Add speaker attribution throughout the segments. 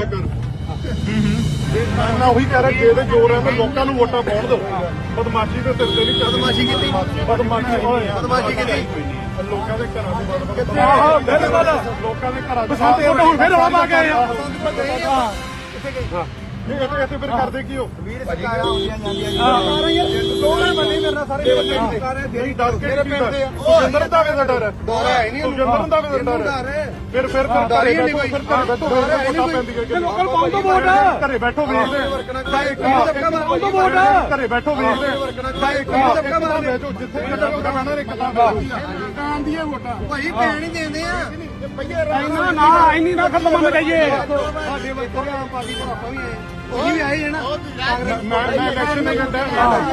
Speaker 1: ਮੈਂ ਉਹੀ ਕਹਿ ਰਿਹਾ ਜੇ ਤੇ ਜ਼ੋਰ ਹੈ ਤਾਂ ਲੋਕਾਂ ਨੂੰ ਵੋਟਾਂ ਪਾਉਣ ਦਿਓ। ਬਦਮਾਸ਼ੀ ਦੇ ਸਿਰ ਤੇ ਨਹੀਂ
Speaker 2: ਬਦਮਾਸ਼ੀ ਕੀਤੀ ਬਦਮਾਸ਼ੀ ਕੀਤੀ
Speaker 1: ਲੋਕਾਂ ਦੇ ਘਰਾਂ ਦੇ ਆਹੋ ਬਿਲਕੁਲ ਲੋਕਾਂ ਦੇ ਘਰਾਂ ਦੇ ਹੁਣ ਫਿਰ ਰੌਲਾ ਪਾ ਕੇ ਆਏ ਆ। ਇੱਥੇ ਫਿਰ ਕਰਦੇ ਕੀ ਹੋ
Speaker 2: ਵੀਰ ਸਰਕਾਰਾਂ ਆਉਂਦੀਆਂ ਜਾਂਦੀਆਂ ਦੋਵੇਂ ਬੰਦੇ ਮੇਰੇ ਨਾਲ ਸਾਰੇ
Speaker 1: ਨਹੀਂ ਡਰ ਕੇ ਸੁਜਿੰਦਰ ਦਾ ਵੀ ਡਰ ਹੈ
Speaker 2: ਡਰ ਹੈ ਨਹੀਂ
Speaker 1: ਸੁਜਿੰਦਰ ਦਾ ਵੀ ਡਰ ਹੈ ਫਿਰ ਘਰੇ ਬੈਠੋ ਫਿਰ ਵੋਟਾਂ ਪੈਂਦੀਆਂ
Speaker 3: ਲੋਕਲ ਪਾਉਣ ਤੋਂ ਵੋਟ
Speaker 1: ਘਰੇ ਬੈਠੋ ਵੇਖਦੇ ਘਰੇ ਬੈਠੋ ਵੇਖਦੇ ਜਿੱਥੇ ਕਾਂ ਦੀਆਂ ਵੋਟਾਂ
Speaker 2: ਭਾਈ ਪੈਣ ਹੀ ਦਿੰਦੇ ਆ
Speaker 3: ਨਾ ਇੰਨੀ ਨਾ ਖਤਮ ਹੋਣਾ ਚਾਹੀਏ
Speaker 2: ਸਾਡੇ ਵਰਕਰ ਆਮ ਪਾਰਟੀ ਤੋਂ ਆਪਾਂ ਵੀ ਆਏ ਉਹੀ ਵੀ ਆਏ ਨਾ
Speaker 1: ਮੈਂ ਇਲੈਕਸ਼ਨ ਨਹੀਂ ਕਰਦਾ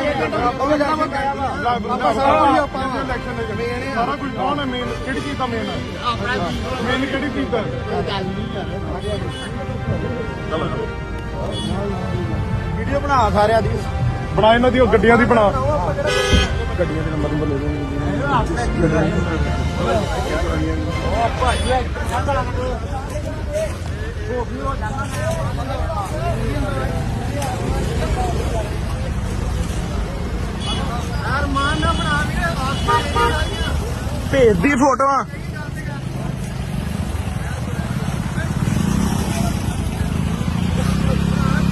Speaker 1: ਸਾਰਾ ਕੁਝ ਕੌਣ ਹੈ ਮੇਨ ਕਿਹੜੀ ਚੀਜ਼ ਦਾ ਮੇਨ ਹੈ ਮੇਨ ਕਿਹੜੀ ਚੀਜ਼ ਦਾ
Speaker 2: ਵੀਡੀਓ ਬਣਾ ਸਾਰਿਆਂ ਦੀ
Speaker 1: ਬਣਾ ਇਹਨਾਂ ਦੀ ਉਹ ਗੱਡੀਆਂ ਦੀ ਬਣਾ
Speaker 2: ਗੱਡੀਆਂ ਦੇ ਨੰਬਰ ਲੈ ਲਓ ਭੇਜ ਦੀ ਫੋਟੋਆਂ